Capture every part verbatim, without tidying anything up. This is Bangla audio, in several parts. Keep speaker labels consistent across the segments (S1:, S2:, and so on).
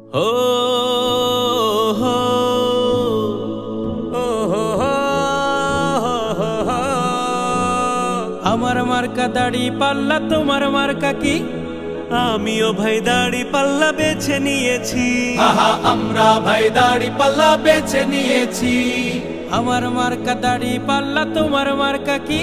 S1: হো হো ও হো হো হো। আমার মার্কা দাড়ি পাল্লা, তোমার মার্কা কি? আমিও ভাই দাড়ি পাল্লা বেছে নিয়েছি।
S2: আহা আমরা ভাই দাড়ি পাল্লা বেছে নিয়েছি।
S1: আমার মার্কা দাড়ি পাল্লা, তোমার মার্কা কি?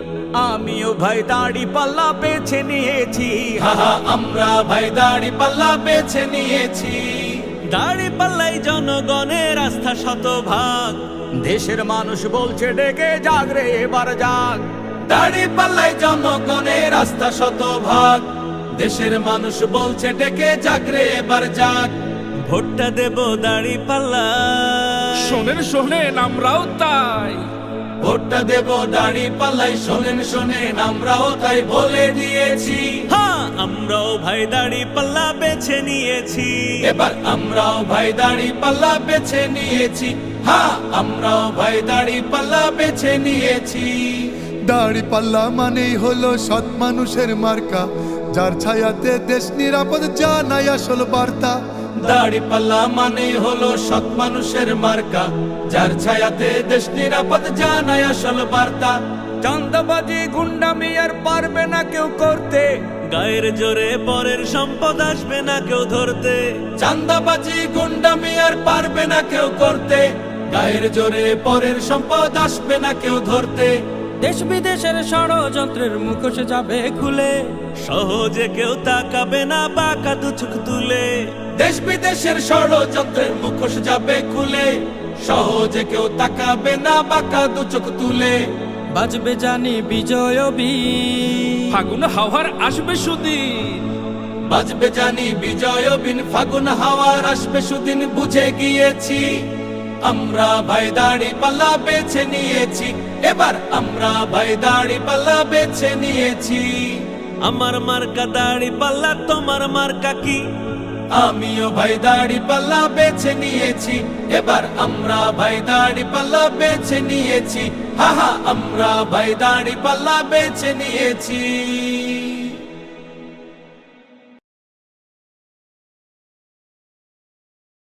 S1: আমিও ভাই দাড়ি পাল্লা বেছে নিয়েছি।
S2: আহা আমরা ভাই দাড়ি পাল্লা বেছে নিয়েছি।
S1: দাড়ি পাল্লাই জনগণের আস্থা শতভাগ। দেশের মানুষ বলছে ডেকে জাগ রে এবার জাগ।
S2: দাড়ি পাল্লাই জনগণের আস্থা শতভাগ। দেশের মানুষ বলছে ডেকে জাগরে এবার জাগ।
S1: ভোটটা দেব দাড়ি পাল্লা।
S3: শোনেন শোনেন আমরাও তাই।
S2: ভোটটা দেব দাড়ি পাল্লাই। শোনেন শোনেন আমরাও তাই বলে দিয়েছি।
S1: হ্যাঁ আমরাও ভাই দাড়ি পাল্লা বেছে নিয়েছি।
S2: এবার আমরাও ভাই দাড়ি পাল্লা বেছে নিয়েছি। হ্যাঁ আমরাও ভাই দাড়ি পাল্লা বেছে নিয়েছি।
S4: দাড়ি পাল্লা মানেই হলো সৎ মানুষের মার্কা, যার ছায়াতে দেশ নিরাপদ জানাই আসল বার্তা।
S2: দাড়ি পাল্লা মানে হলো সৎ মানুষের মার্কা, যার ছায়াতে দেশ নিরাপদ জানায় আসল বার্তা।
S1: চাঁদাবাজি গুন্ডামি আর পারবে না কেউ করতে। গায়ের জোরে পরের সম্পদ আসবে না কেউ ধরতে।
S2: চাঁদাবাজি গুন্ডামি আর পারবে না কেউ করতে। গায়ের জোরে পরের সম্পদ আসবে না কেউ ধরতে।
S1: দেশ বিদেশের ষড়যন্ত্রের মুখোশ যাবে খুলে। সহজে কেউ তাকাবে না বাঁকা দু চোখ তুলে।
S2: দেশ বিদেশের ষড়যন্ত্রের মুখোশ যাবে খুলে। সহজে কেউ তাকাবে না বাঁকা দু চোখ তুলে।
S1: বাজবে জানি বিজয় বীণ।
S3: ফাগুন হাওয়ার আসবে সুদিন।
S2: বাজবে জানি বিজয় বিন। ফাগুন হাওয়ার আসবে সুদিন বুঝে গিয়েছি। আমরা ভাই দাড়ি পাল্লা বেছে নিয়েছি। এবার আমরা ভাই দাড়ি পাল্লা বেছে নিয়েছি।
S1: আমার মার্কা দাড়ি পাল্লা, তোমার মার্কা কি?
S2: আমিও ভাই দাড়ি পাল্লা বেছে নিয়েছি। এবার আমরা ভাই দাড়ি পাল্লা বেছে নিয়েছি। হা হা আমরা ভাই দাড়ি পাল্লা বেছে নিয়েছি।